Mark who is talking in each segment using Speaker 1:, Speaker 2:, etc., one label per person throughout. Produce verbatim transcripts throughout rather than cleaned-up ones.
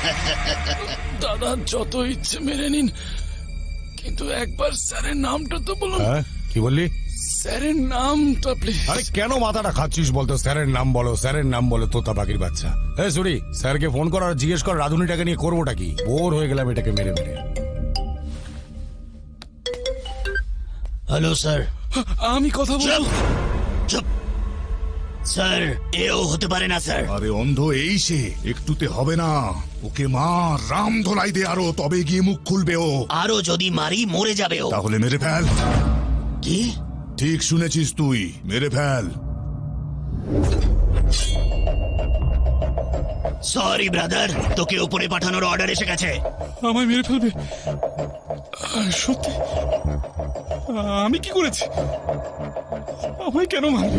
Speaker 1: দাদা যত ইচ্ছে মেরে নিন, কিন্তু একবার স্যারের নামটা তো বলুন।
Speaker 2: হ্যাঁ কি বললি?
Speaker 1: স্যারের নামটা প্লিজ।
Speaker 2: আরে কেন মাথাটা খাচ্ছিস বলতো? স্যারের নাম বলো, স্যারের নাম বলো, তোতা পাখির বাচ্চা। এই সরি, স্যারকে ফোন কর আর জিজ্ঞেস কর রাধুনিটাকে নিয়ে করবোটা কি। বোর হয়ে গেলাম এটাকে মেরে মেরে।
Speaker 3: Hello sir.
Speaker 1: আমি কথা বলবো।
Speaker 3: চুপ স্যার, এও হতে পারে না স্যার।
Speaker 4: আরে অন্ধ এই সে, একটুতে হবে না। ওকে মার, রাম ধোলাই দে আরো, তবে গিয়ে মুখ খুলবে ও।
Speaker 3: আরো যদি মারি মরে যাবে ও।
Speaker 4: তাহলে মেরে ফেল।
Speaker 3: কি?
Speaker 4: ঠিক শুনেছিস তুই, মেরে ফেল।
Speaker 3: সরি ব্রাদার, তোকে উপরে পাঠানোর অর্ডার এসে গেছে।
Speaker 1: আমায় মেরে ফেলবে? আহ, সত্যি? আহ, আমি কি করেছি? আমায় কেন মারবে?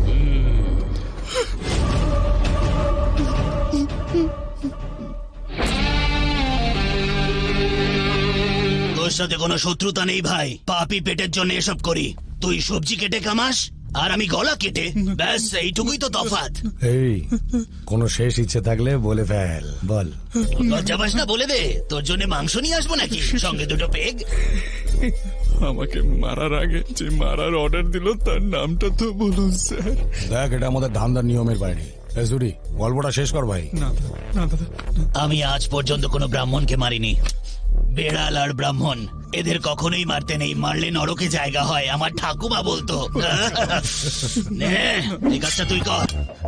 Speaker 3: তোর সাথে কোনো শত্রুতা নেই ভাই, পাপি পেটের জন্য এসব করি। তুই সবজি কেটে কামাস আর আমি গলা কেটে, ব্যাস এইটুকুই তো তফাৎ।
Speaker 2: এই কোনো শেষ ইচ্ছে থাকলে বলে ফেল, বল।
Speaker 3: লজ্জা পাস না? বলে দে, তোর জন্য মাংস নিয়ে আসবো নাকি সঙ্গে দুটো পেগ?
Speaker 1: আমাকে মারার আগে যে মারার অর্ডার দিল তার নামটা তো বলুন স্যার।
Speaker 2: দেখ এটা আমাদের ধান্দার নিয়মের বাইরে। এই সরি, গল্পটা শেষ কর ভাই।
Speaker 1: না না দাদা,
Speaker 3: আমি আজ পর্যন্ত কোনো ব্রাহ্মণকে মারিনি। বেড়াল আর ব্রাহ্মণ এদের কখনোই মারতে নেই, মারলে নরকে জায়গা হয়, আমার ঠাকুমা বলতো। নে, এই কাজটা তুই কর।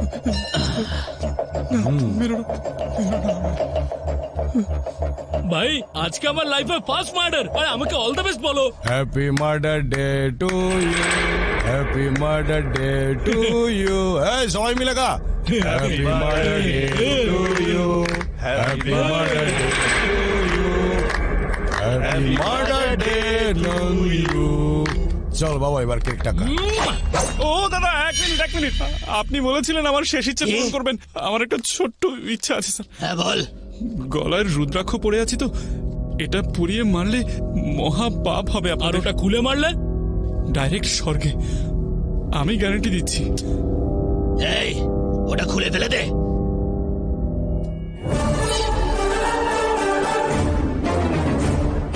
Speaker 5: ভাই আজকে আমার লাইফে ফার্স্ট মার্ডার, আর আমাকে অল দ্য বেস্ট বলো।
Speaker 2: Happy murder day to you, happy murder day to you. এই সবাই মিলে গা। Happy murder day to you, happy murder day to you, happy murder day to you. চল বাবা এবার কেকটা খা।
Speaker 1: ও দাদা এক মিনিট এক মিনিট, আপনি বলেছিলেন আমার শেষ ইচ্ছে পূরণ করবেন। আমার একটা ছোট্ট ইচ্ছা আছে স্যার।
Speaker 3: হ্যাঁ বল।
Speaker 1: গলায় রুদ্রাক্ষ পড়ে আছি তো, এটা পুড়িয়ে মারলে মহা পাপ হবে।
Speaker 5: আর ওটা খুলে মারলে
Speaker 1: ডাইরেক্ট স্বর্গে, আমি গ্যারান্টি দিচ্ছি।
Speaker 3: এই ওটা খুলে ফেলে দে।